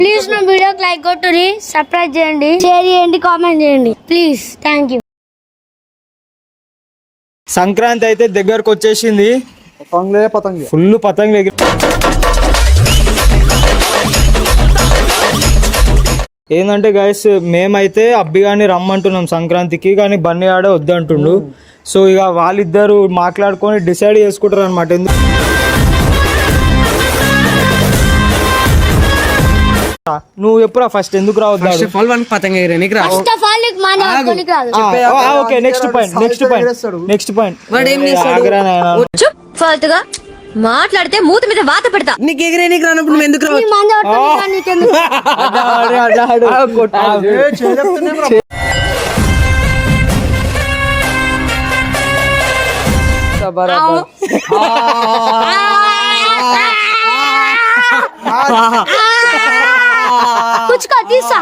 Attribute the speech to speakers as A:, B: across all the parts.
A: Please నా వీడియోకి like కొట్టుని, సబ్స్క్రైబ్ చేయండి, షేర్ చేయండి, కామెంట్ చేయండి ప్లీజ్. Thank you.
B: సంక్రాంతి అయితే దగ్గరకు వచ్చేసింది. ఫుల్ పతంగులు ఎగిరి ఏంటంటే గైస్, మేమైతే అబ్బిగాని రమ్మంటున్నాం సంక్రాంతికి, కానీ బన్నీ ఆడే వద్దంటుండు. సో ఇక వాళ్ళిద్దరు మాట్లాడుకొని డిసైడ్ చేసుకుంటారు అనమాట. నువ్వు ఎప్పుడు ఫస్ట్ ఎందుకు రావద్దాడు? ఓకే, నెక్స్ట్ పాయింట్
C: ఫాల్తుగా మాట్లాడితే మూత మీద వాత పెడతా. నీకు ఎగిరే నీకు రానప్పుడు నువ్వు ఎందుకు
A: కుచ్చుకో తీసా.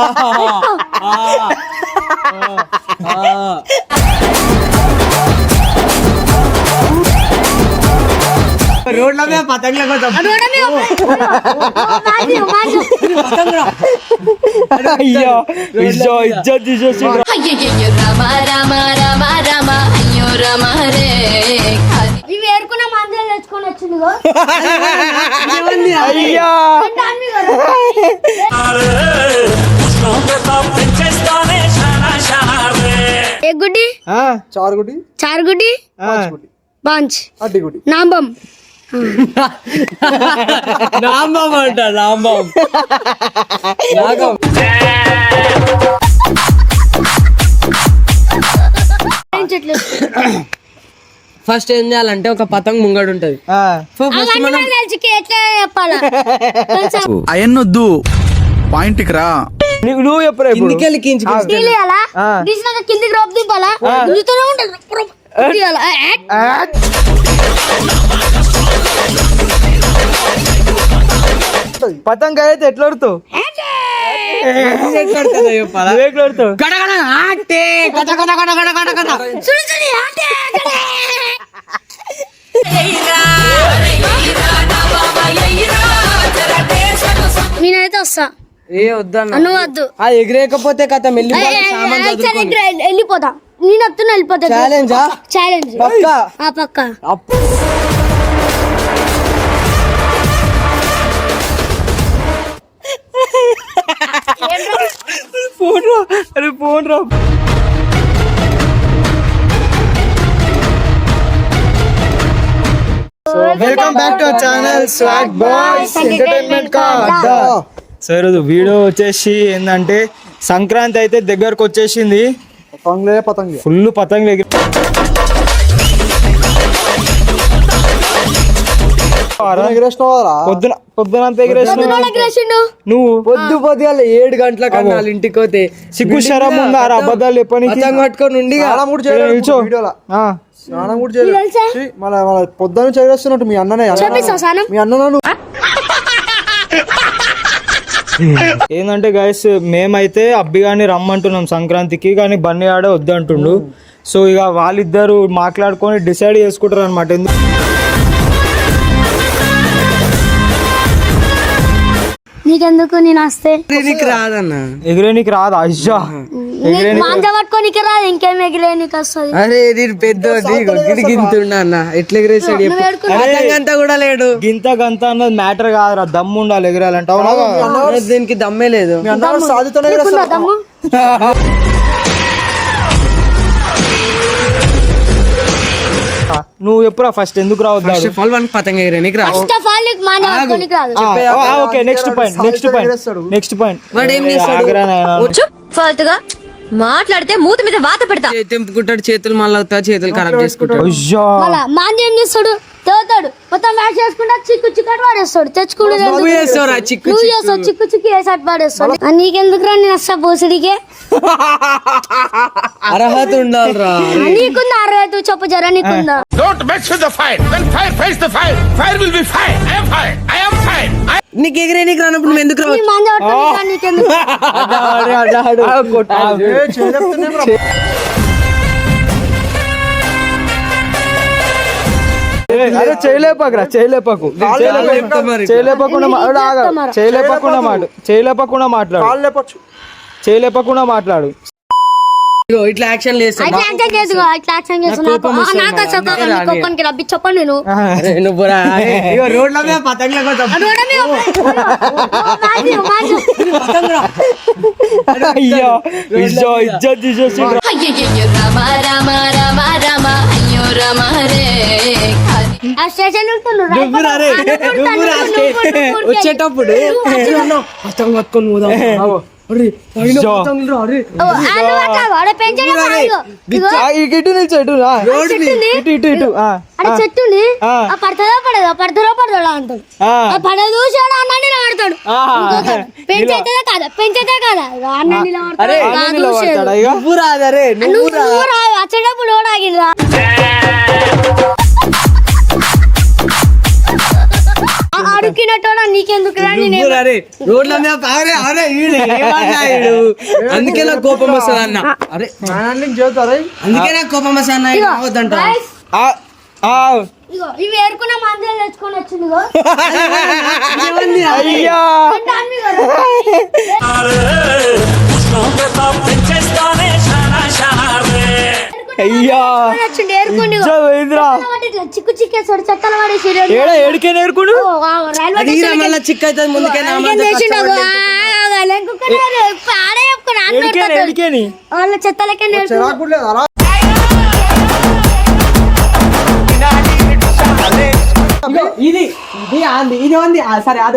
B: రోడ్ల మీద పతంగుల కోసం అయ్యో ఇజ్జత్ తీసేసి
A: ఇవి ఏరుకున్న మందులు తెచ్చుకొని వచ్చింది.
B: అయ్యా
A: గుడ్డి చారుగుడ్డి బాంచ్ నాంబం
B: అంట నాంబం.
D: ఫస్ట్ ఏం చేయాలంటే ఒక పతంగ్ ముంగడు ఉంటది.
E: అయన్నొద్దు, పాయింట్ కి రా.
B: నువ్వు ఎప్పుడు
A: కిందికి రోప్ దింపాలా,
B: పతంగ అయితే ఎట్లా ఆడుతావు?
A: నేనైతే వస్తా.
D: ఏ వద్దన్నా,
A: నువ్వు వద్దు.
D: ఎగిరేకపోతే కథ
A: వెళ్ళిపోతా. నేను వస్తున్నా, వెళ్ళిపోతా. ఛాలెంజ్ పక్క.
B: ఫోన్ రా. Welcome back to our channel swag boys entertainment కా అడ్డా. సో ఈరోజు వీడియో వచ్చేసి ఏంటంటే, సంక్రాంతి అయితే దగ్గరకు వచ్చేసింది. ఫుల్ పతంగులు ఎగిరి పొద్దునంత ఎగిరేసిన నువ్వు.
D: పొద్దుగాల 7 గంటల కన్నా ఇంటికి పోతే
B: సిగ్గు శరం ఉందా అబద్ధాలు చెప్పడానికి?
D: పట్టుకొని ఉండి
E: పొద్దున్న చదివేస్తున్నట్టు మీ అన్ననే మీ అన్న.
B: ఏంటంటే గైస్, మేమైతే అబ్బిగాని రమ్మంటున్నాం సంక్రాంతికి, కానీ బన్నీ ఆడే వద్దంటుండు. సో ఇక వాళ్ళిద్దరు మాట్లాడుకొని డిసైడ్ చేసుకుంటారు అనమాట.
A: నీకెందుకు, నేను వస్తే
D: రాదన్నా,
B: ఎగిరే నీకు రాదు. అయ్యా
A: మాంజ పట్టుకోనికి రాదు, ఇంకేం ఎగిరే నీకు వస్తుంది.
D: అరే నేను పెద్ద గింతుండా అన్న, ఎట్లా ఎగిరేసాడు అంతా కూడా లేడు.
B: గింత గంత అన్నది మ్యాటర్ కాదురా, దమ్ము ఉండాలి ఎగిరాలంటే. అవునా?
D: దీనికి దమ్మే లేదు.
A: దమ్ము
B: నువ్వు ఎప్పుడు ఫస్ట్ ఎందుకు రావద్దాడు?
D: పతంగ ఎగిరే నీకు రా.
B: ఓకే, నెక్స్ట్ పాయింట్
C: ఫాల్తుగా మాట్లాడితే మూత మీద వాత పెడతా.
D: తెంపుకుంటాడు, చేతులు మళ్ళీ చేతులు ఖరాబ్ చేసుకుంటాడు.
A: మాంజ ఏం చేస్తాడు, తేవుతాడు, మొత్తం మ్యాచ్ చేసుకుంటా చిక్కు చిక్కటి వాడేస్తాడు. తెచ్చుకుంటూ చిక్కు చిక్కు వేసాడు వాడేస్తాడు. నీకెందుకు రా, నేను వస్తా పోసిడికే.
D: అర్హత ఉండాలిరా.
A: నీకుందా అర్హత చెప్పు జరా, నీకుందా?
D: నీకు ఎగిరే నీకు రానప్పుడు నువ్వు ఎందుకు రావు?
A: నీకెందుకు?
B: అరే చేయలేపకురా చేయలేపకు చేయలేపకుండా మాట్లాడు
D: ఇగో ఇట్లా యాక్షన్ చేస్తా
A: ఇట్లా యాక్షన్ చేసుకో, ఇట్లా యాక్షన్ చేసుకో. నాకు అసలు కోపానికి రబ్బి చెప్పండి నేను
D: నువ్వు ఇగో రోడ్ల మీద పతంగుల కోసం
B: అయ్యో ఇజ్జత్ తీసేసి
A: ఆ స్టేషన్
D: వచ్చేటప్పుడు పతంగు పట్టుకొని పోదాం. అరే పైన పతంగులు రా, అరే
B: ఇటు నుంచి ఇటు
A: చెట్టు పడతాదో పడదో పడతారో పడదో అంటాడు పడదు చూసాడు అన్నీ నిలబడతాడు పెంచైతే కాదా పెంచైతే కాదా అన్నీ నిలబడతాడు
D: నువ్వు రాదరే
A: నువ్వు వచ్చేటప్పుడు కూడా ఆగిరా అడుగునట్టు నీకెందుకు
D: రోడ్ల మీద అందుకే నాకు కోపం వస్తుంది అన్న. అరే అందుకే నాకు కోపం వస్తుంది అన్న. అవద్దంట
A: ఇగో ఇవి ఏరుకున్న మందులు తెచ్చుకొని వచ్చింది
B: అయ్యా అయ్యా
A: ఏరుకుని చిక్కు చిక్కేసాడు చెక్కలు పడేసి
B: ఏడికే నేర్కుడు
D: మళ్ళీ చిక్ అవుతుంది ముందుకే
A: వాళ్ళ చెత్తలకే
D: ఇది ఇది ఉంది సరే అదే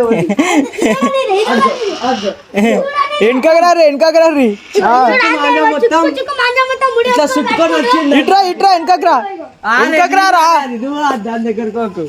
B: వెనకగరారి
D: ఇట్లా సుట్టుకొని వచ్చింది.
B: ఇట్రా వెనకరా
D: దాని దగ్గరకు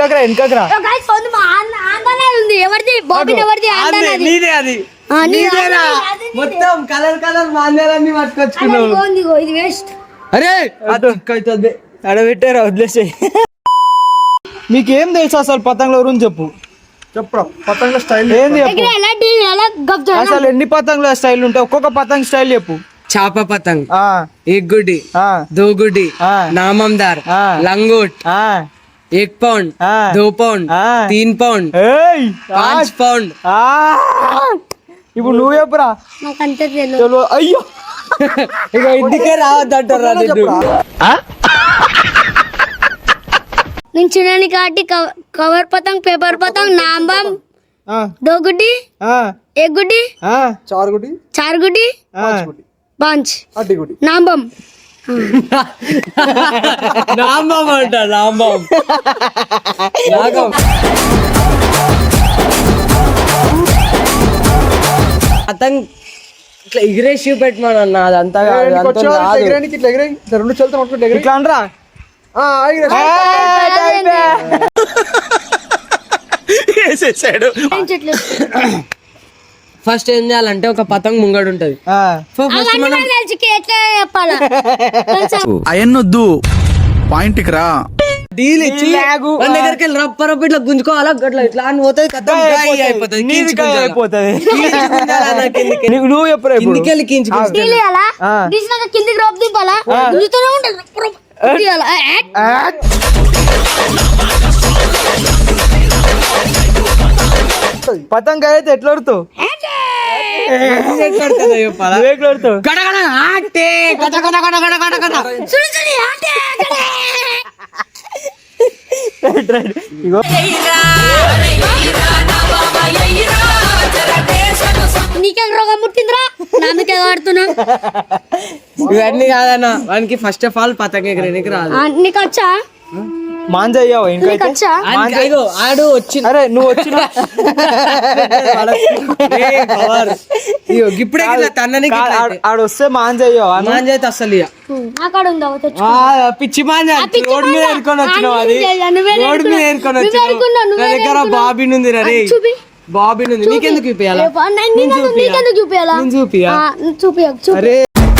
A: ఉంది ఎవరిది బాబీ ఎవరిది
D: నీదే అది నీదేనా? మొత్తం కలర్ కలర్ మాందేలన్నీ పట్టుకొచ్చుకున్నావు.
A: ఇది వేస్ట్
D: అరే అవుతుంది
B: అడబెట్టారా వదిలేసే మీకేం తెలుసు అసలు పతంగుల గురించి చెప్పు
E: పతంగ స్టైల్
B: ఏంది చెప్పు అసలు ఎన్ని పతంగుల స్టైల్ ఉంటాయి ఒక్కొక్క పతంగ్ స్టైల్ చెప్పు
D: చాప పతంగ్
B: ఆ
D: एक गुडी
B: हाँ।
D: 2 गुडी
B: हाँ।
D: नाममदार
B: हाँ।
D: लंगोट
B: ఆ
D: 1 पाउंड
B: हाँ।
D: 2 पाउंड
B: हाँ।
D: 3 पाउंड
B: ఏయ్
D: 5 पाउंड
B: ఆ ఇప్పుడు నువ్వు చెప్పురా
A: నాకు అంతే తెలియదు
B: చలో అయ్యో
D: ఇక ఇంటికే రావద్దంటారా
A: నేను చిన్నని కాటి కవర్ పతంగ్ పేపర్ పతంగ్ नाम बम
B: ఆ
A: 2 गुड्डी
B: ఆ
A: 1 गुड्डी
B: ఆ
E: 4 गुटी
A: 4 गुड्डी
B: ఆ
A: 5
E: 8 गुटी
A: नाम बम
D: నామం అంట నామం నాగం పతంగ్ ఇట్లా ఎగిరేసి పెట్టమన్నా అదంతా
E: ఎగరేనికి ఇట్లా ఎగరే రెండు చేతులతో పట్టుకుంటే ఎగరే
B: ఇట్లా అనరా
D: ఫస్ట్ ఏం చేయాలంటే ఒక పతంగ్ ముంగడు ఉంటది ఫస్ట్ మనం
A: ఎట్లా చెప్పాలా
E: అయన్నొద్దు పాయింట్కి రా
D: డీల్ ఇచ్చి మన దగ్గరికి వెళ్ళి రప్ప ఇట్లా గుంజుకోవాలా అట్లా ఇట్లా అని పోతుంది కథం అయిపోతుంది
B: నువ్వు ఎప్పుడు
D: కిందికెళ్ళి
A: తీయాలా తీసినాక కిందికి రోప్ దింపాలా గుంజుతూనే ఉంటుంది తీయాలా
B: పతంగ అయితే ఎట్లా ఆడుతావు
A: నీకేం రోగం పుట్టిందిరా నాకే ఆడుతున్నా
D: ఇవన్నీ కాదన్నా వానికి ఫస్ట్ ఆఫ్ ఆల్ పతంగ ఎగరేనికి రాదు
A: నీకు వచ్చా
B: మాంజయ్యావు ఇంకా
D: ఆడు వచ్చి
B: అరే నువ్వు వచ్చిన
D: ఇప్పుడే తన్నని
B: ఆడు వస్తే మాంజయ్యావు
D: మాంజైతే అసలు
A: అక్కడ ఉందా
D: పిచ్చి మాంజ రోడ్ మీద ఏరుకొని వచ్చినావు అది రోడ్ మీద ఏరుకొని వచ్చినావు నా దగ్గర బాబీ ఉంది రే బాబీ ఉంది నీకెందుకు చూపియాలా
A: నీకెందుకు చూపియాలా చూపియా
B: అరే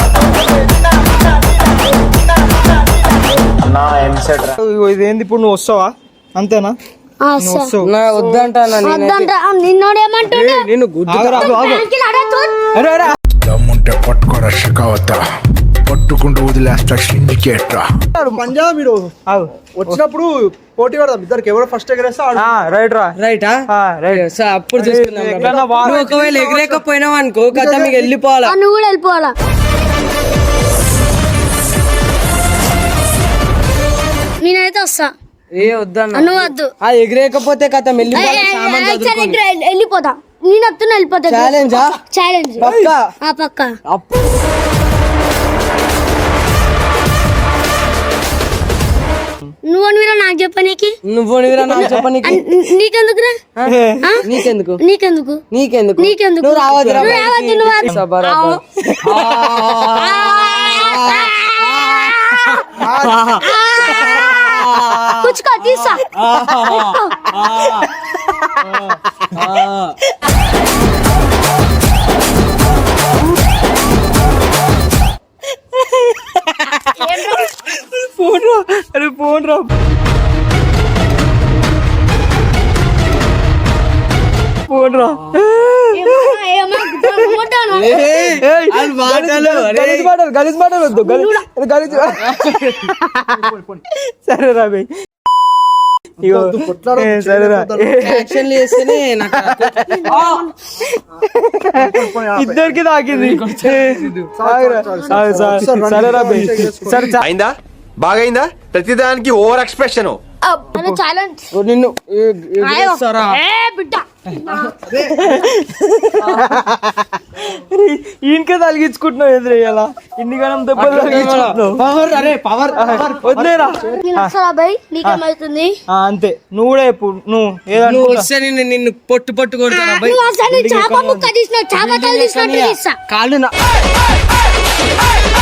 B: ఇదేంది ఇప్పుడు నువ్వు వస్తావా అంతేనా
D: వద్దంటా
A: నిన్నోడేమంటున్నా
E: దమ్ముంటే పట్టుకోరా షికావత కొట్టుకుంటూ వదిలేస్తా సిండికేట్ రా.
B: పంజా మీరు వచ్చినప్పుడు పోటీ పడదాం ఇద్దరికి ఎవరు ఫస్ట్ ఎగరేస్తే రైట్ రా
D: రైటా రైట్ సార్ అప్పుడు చూసుకుందాం. నువ్వు ఒకవేళ ఎగరేకపోయినావు అనుకో కదా మీకు వెళ్ళిపోవాలా.
A: నువ్వు కూడా వెళ్ళిపోవాలా. నేనైతే వస్తా.
D: ఏ వద్దన్నా
A: నువ్వు వద్దు.
D: ఎగరేకపోతే కథ వెళ్ళిపోవాలి. సామాన్ చదువుకొని.
A: వెళ్ళిపోతా. నేను వస్తున్నా వెళ్ళిపోతా.
D: ఛాలెంజా?
A: ఛాలెంజ్
D: పక్కా?
A: పక్కా. నువ్వు మీరు నాకు చెప్పనీకి.
D: నువ్వు నాకు చెప్పనీకి.
A: నీకెందుకురా?
D: నీకెందుకు
A: నీకెందుకు
D: నీకెందుకు
A: నీకెందుకు
D: నువ్వు రావద్దు
A: కూర్చుకో తీసా.
B: అరే ఫోన్ రా. ఫోన్ రా. గలీజ్ మాటలు వద్దు. సరే రా భయ్. సరేరా ఇద్దరికి తాకింది. సరేరా భయ్. సరే
F: అయిందా బాగైందా ప్రతిదానికి ఓవర్ ఎక్స్ప్రెషన్.
A: ఛాలెంజ్
D: నిన్ను
B: ఈయనకే తలిగించుకుంటున్నావు ఎదురయ్యాలా ఇన్ని గణం దెబ్బలు వదిలేరా.
A: నీకేమవుతుంది?
B: అంతే నువ్వు కూడా చెప్పు. నువ్వు ఏదో
D: వస్తే నిన్ను పొట్టు పొట్టు కొడతాను.
A: చాప ముక్క తీసిన చాప తీసినట్టు తీస్తా.
D: కాళ్ళు